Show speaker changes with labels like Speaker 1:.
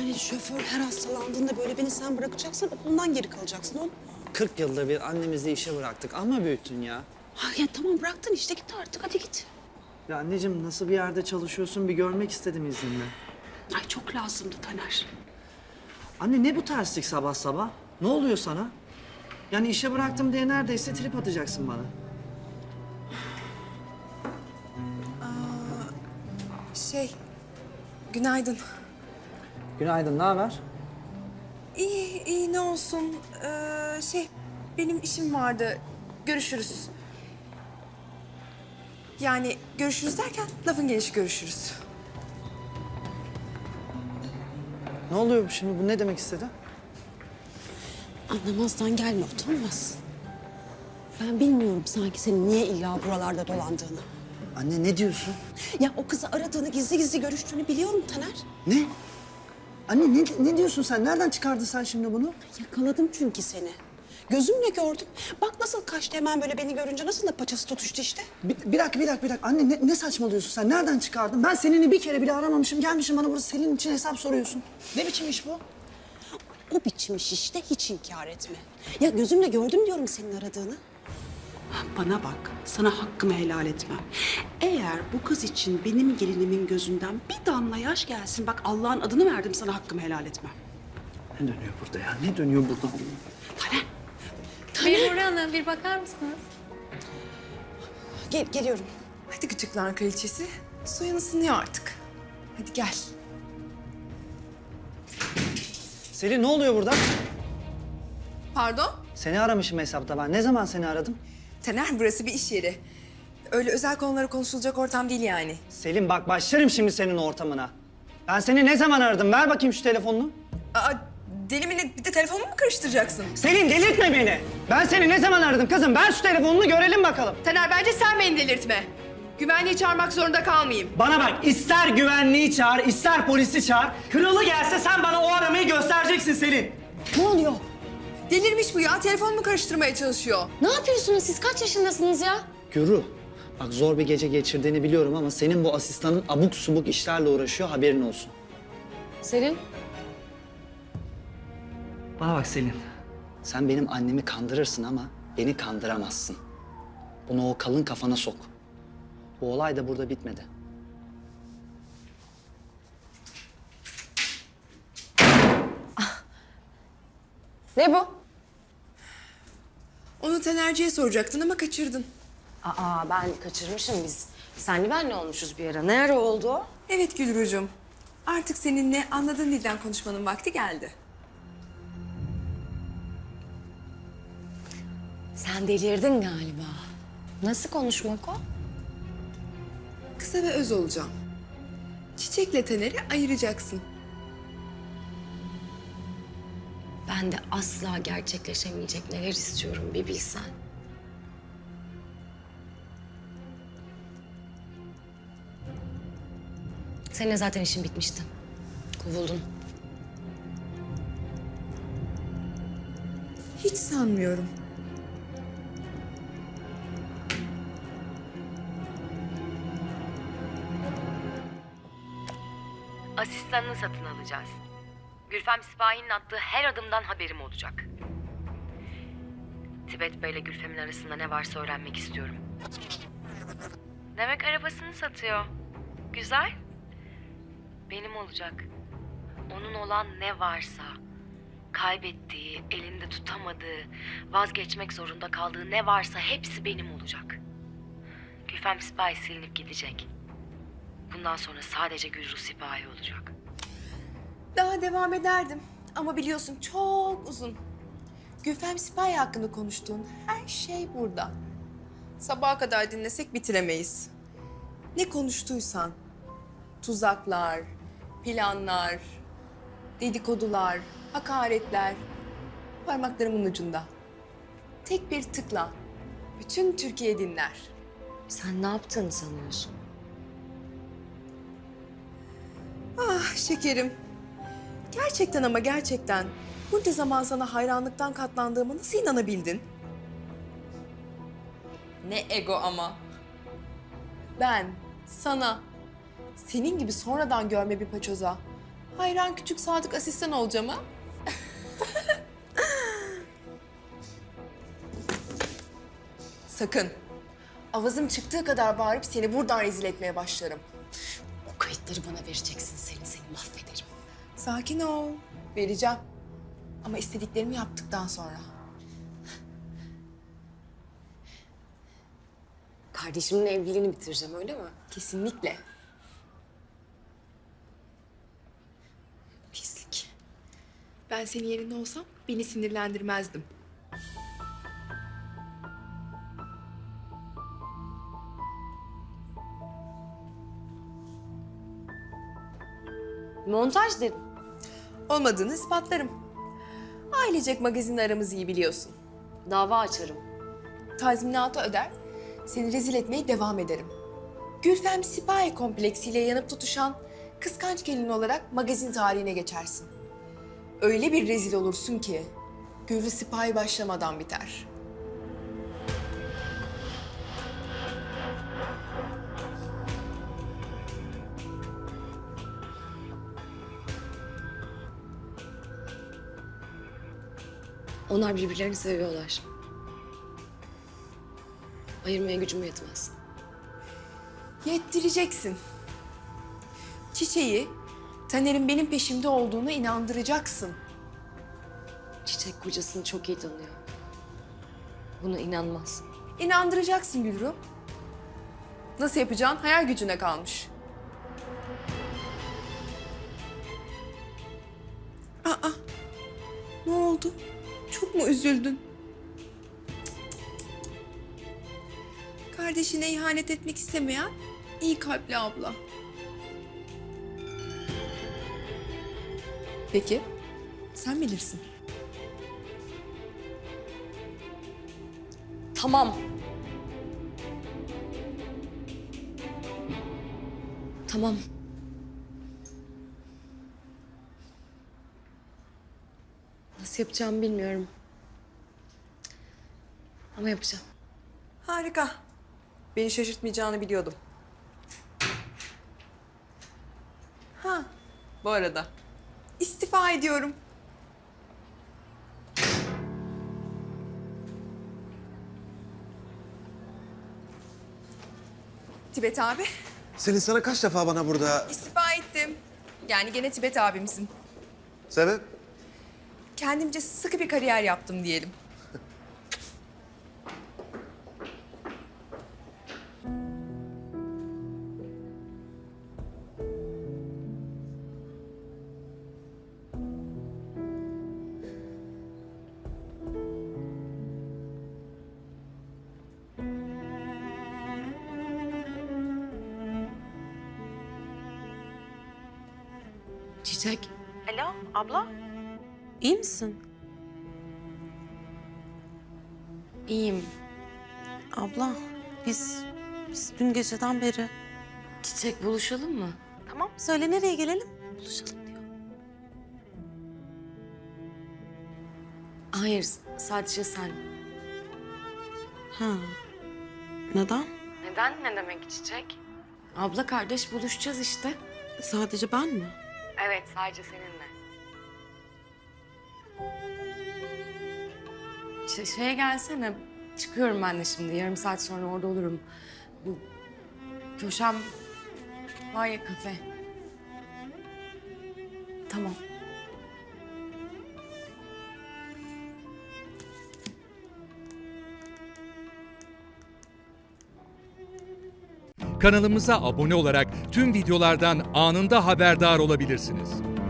Speaker 1: Yani şoför her hastalandığında böyle beni sen bırakacaksan okulundan geri kalacaksın oğlum.
Speaker 2: 40 yılda bir annemizi işe bıraktık ama büyüttün ya.
Speaker 1: Ha, ya tamam bıraktın işte git artık hadi git.
Speaker 2: Ya anneciğim nasıl bir yerde çalışıyorsun bir görmek istedim izninle.
Speaker 1: Ay çok lazımdı Taner.
Speaker 2: Anne ne bu terslik sabah sabah? Ne oluyor sana? Yani işe bıraktım diye neredeyse trip atacaksın bana.
Speaker 3: Günaydın.
Speaker 2: Günaydın, ne haber?
Speaker 3: İyi, iyi ne olsun. Benim işim vardı. Görüşürüz. Yani görüşürüz derken lafın gelişi görüşürüz.
Speaker 2: Ne oluyor şimdi? Bu ne demek istedi?
Speaker 1: Anlamazdan gelme utanmaz. Ben bilmiyorum sanki senin niye illa buralarda dolandığını.
Speaker 2: Anne ne diyorsun?
Speaker 1: Ya o kızı aradığını, gizli gizli görüştüğünü biliyorum Taner.
Speaker 2: Ne? Anne ne diyorsun sen? Nereden çıkardın sen şimdi bunu?
Speaker 1: Yakaladım çünkü seni. Gözümle gördüm. Bak nasıl kaçtı hemen böyle beni görünce nasıl da paçası tutuştu işte.
Speaker 2: Bir dakika. Anne ne saçmalıyorsun sen? Nereden çıkardın? Ben seninle bir kere bile aramamışım. Gelmişim bana burada Selin için hesap soruyorsun. Ne biçim iş bu?
Speaker 1: O biçim iş işte hiç inkar etme. Ya gözümle gördüm diyorum senin aradığını. Bana bak, sana hakkımı helal etmem. Eğer bu kız için benim gelinimin gözünden bir damla yaş gelsin, bak Allah'ın adını verdim sana hakkımı helal etmem.
Speaker 2: Ne dönüyor burada ya? Ne dönüyor burada?
Speaker 1: Taner,
Speaker 4: Memur Hanım bir bakar mısınız?
Speaker 1: geliyorum.
Speaker 3: Hadi gıcıklar kraliçesi. Suyun ısınıyor artık. Hadi gel.
Speaker 2: Selin ne oluyor burada?
Speaker 3: Pardon?
Speaker 2: Seni aramışım hesapta ben. Ne zaman seni aradım?
Speaker 3: Taner burası bir iş yeri. Öyle özel konuları konuşulacak ortam değil yani.
Speaker 2: Selin bak başlarım şimdi senin ortamına. Ben seni ne zaman aradım? Ver bakayım şu telefonunu.
Speaker 3: Aa, deli mi ne? Bir de telefonumu mu karıştıracaksın?
Speaker 2: Selin delirtme beni. Ben seni ne zaman aradım kızım? Ver şu telefonunu görelim bakalım.
Speaker 3: Taner bence sen beni delirtme. Güvenliği çağırmak zorunda kalmayayım.
Speaker 2: Bana bak ister güvenliği çağır, ister polisi çağır. Kralı gelse sen bana o aramayı göstereceksin Selin.
Speaker 1: Ne oluyor?
Speaker 3: Delirmiş bu ya. Telefonumu karıştırmaya çalışıyor.
Speaker 4: Ne yapıyorsunuz siz? Kaç yaşındasınız ya?
Speaker 2: Gürü, bak zor bir gece geçirdiğini biliyorum ama senin bu asistanın abuk subuk işlerle uğraşıyor haberin olsun.
Speaker 4: Selin.
Speaker 2: Bana bak Selin. Sen benim annemi kandırırsın ama beni kandıramazsın. Bunu o kalın kafana sok. Bu olay da burada bitmedi.
Speaker 4: Ne bu?
Speaker 3: Onu Tanerci'ye soracaktın ama kaçırdın.
Speaker 4: Aa ben kaçırmışım biz. Senli benli olmuşuz bir ara. Ne ara oldu o?
Speaker 3: Evet Gülrucuğum. Artık seninle anladığın dilden konuşmanın vakti geldi.
Speaker 4: Sen delirdin galiba. Nasıl konuşmak o?
Speaker 3: Kısa ve öz olacağım. Çiçekle Taner'i ayıracaksın.
Speaker 4: Ben de asla gerçekleşemeyecek neler istiyorum bir bilsen. Seninle zaten işin bitmişti. Kovuldun.
Speaker 3: Hiç sanmıyorum.
Speaker 5: Asistanını satın alacağız. Gülfem Sipahi'nin attığı her adımdan haberim olacak. Tibet Bey'le Gülfem'in arasında ne varsa öğrenmek istiyorum. Demek arabasını satıyor. Güzel. Benim olacak. Onun olan ne varsa, kaybettiği, elinde tutamadığı, vazgeçmek zorunda kaldığı ne varsa hepsi benim olacak. Gülfem Sipahi silinip gidecek. Bundan sonra sadece Gülru Sipahi olacak.
Speaker 3: Daha devam ederdim ama biliyorsun çok uzun. Gülfem Sipahi hakkında konuştuğun her şey burada. Sabaha kadar dinlesek bitiremeyiz. Ne konuştuysan, tuzaklar, planlar, dedikodular, hakaretler parmaklarımın ucunda. Tek bir tıkla bütün Türkiye dinler.
Speaker 4: Sen ne yaptığını sanıyorsun?
Speaker 3: Ah şekerim. Gerçekten ama gerçekten bunca zaman sana hayranlıktan katlandığıma nasıl inanabildin? Ne ego ama. Ben sana senin gibi sonradan görme bir paçoza Hayran küçük sadık asistan olacağım ha? Sakın. Avazım çıktığı kadar bağırıp seni buradan rezil etmeye başlarım.
Speaker 4: O kayıtları bana vereceksin seni mahvederim.
Speaker 3: Sakin ol. Vereceğim. Ama istediklerimi yaptıktan sonra.
Speaker 4: Kardeşimin evliliğini bitireceğim öyle mi?
Speaker 3: Kesinlikle.
Speaker 4: Pislik.
Speaker 3: Ben senin yerinde olsam beni sinirlendirmezdim.
Speaker 4: Montaj dedim.
Speaker 3: Olmadığını ispatlarım. Ailecek magazin aramızı iyi biliyorsun.
Speaker 4: Dava açarım.
Speaker 3: Tazminatı öder, seni rezil etmeye devam ederim. Gülfem Sipahi kompleksiyle yanıp tutuşan kıskanç gelin olarak magazin tarihine geçersin. Öyle bir rezil olursun ki Gülfem Sipahi başlamadan biter.
Speaker 4: Onlar birbirlerini seviyorlar. Ayırmaya gücüm yetmez.
Speaker 3: Yettireceksin. Çiçeği, Taner'in benim peşimde olduğuna inandıracaksın.
Speaker 4: Çiçek kocasını çok iyi tanıyor. Buna inanmaz.
Speaker 3: İnandıracaksın Gülru. Nasıl yapacağın hayal gücüne kalmış. Aa, ne oldu? Çok mu üzüldün? Kardeşine ihanet etmek istemeyen iyi kalpli abla. Peki, sen bilirsin.
Speaker 4: Tamam. Tamam. Nasıl yapacağımı bilmiyorum. Ama yapacağım.
Speaker 3: Harika. Beni şaşırtmayacağını biliyordum. Ha, bu arada istifa ediyorum. Tibet abi,
Speaker 6: Selin sana kaç defa bana burada...
Speaker 3: istifa ettim. Yani gene Tibet abimsin.
Speaker 6: Sebep?
Speaker 3: Kendimce sıkı bir kariyer yaptım diyelim.
Speaker 4: Çiçek.
Speaker 1: Alo abla. İyi misin?
Speaker 4: İyiyim.
Speaker 1: Abla biz dün geceden beri...
Speaker 4: Çiçek buluşalım mı?
Speaker 1: Tamam söyle nereye gelelim? Buluşalım diyor.
Speaker 4: Hayır, sadece sen.
Speaker 1: Ha. Neden?
Speaker 4: Neden? Ne demek Çiçek? Abla kardeş buluşacağız işte.
Speaker 1: Sadece ben mi?
Speaker 4: Evet, sadece seninle. Şeye gelsene. Çıkıyorum ben de şimdi. Yarım saat sonra orada olurum. Bu köşem var ya kafe. Tamam.
Speaker 7: Kanalımıza abone olarak tüm videolardan anında haberdar olabilirsiniz.